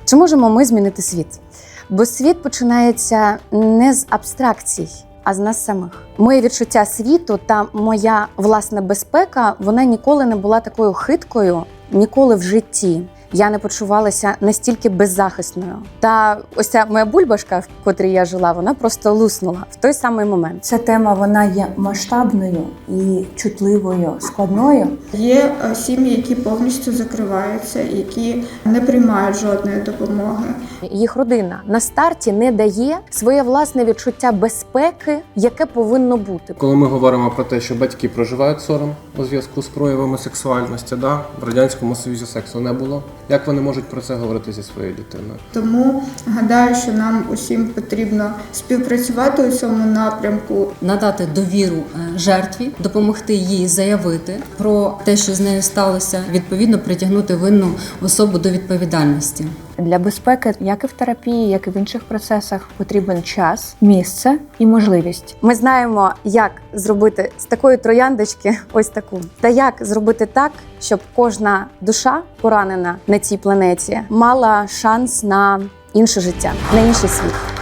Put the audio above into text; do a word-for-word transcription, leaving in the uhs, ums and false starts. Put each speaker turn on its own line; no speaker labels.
Чи можемо ми змінити світ? Бо світ починається не з абстракцій, а з нас самих. Моє відчуття світу та моя власна безпека, вона ніколи не була такою хиткою, ніколи в житті. Я не почувалася настільки беззахисною. Та ось ця моя бульбашка, в котрій я жила, вона просто луснула в той самий момент.
Ця тема, вона є масштабною і чутливою, складною.
Є сім'ї, які повністю закриваються, які не приймають жодної допомоги.
Їх родина на старті не дає своє власне відчуття безпеки, яке повинно бути.
Коли ми говоримо про те, що батьки проживають сором у зв'язку з проявами сексуальності, да? В Радянському Союзі сексу не було. Як вони можуть про це говорити зі своєю дитиною?
Тому гадаю, що нам усім потрібно співпрацювати у цьому напрямку.
Надати довіру жертві, допомогти їй заявити про те, що з нею сталося, відповідно притягнути винну особу до відповідальності.
Для безпеки, як і в терапії, як і в інших процесах, потрібен час, місце і можливість.
Ми знаємо, як зробити з такої трояндочки ось таку. Та як зробити так, щоб кожна душа, поранена на цій планеті, мала шанс на інше життя, на інший світ.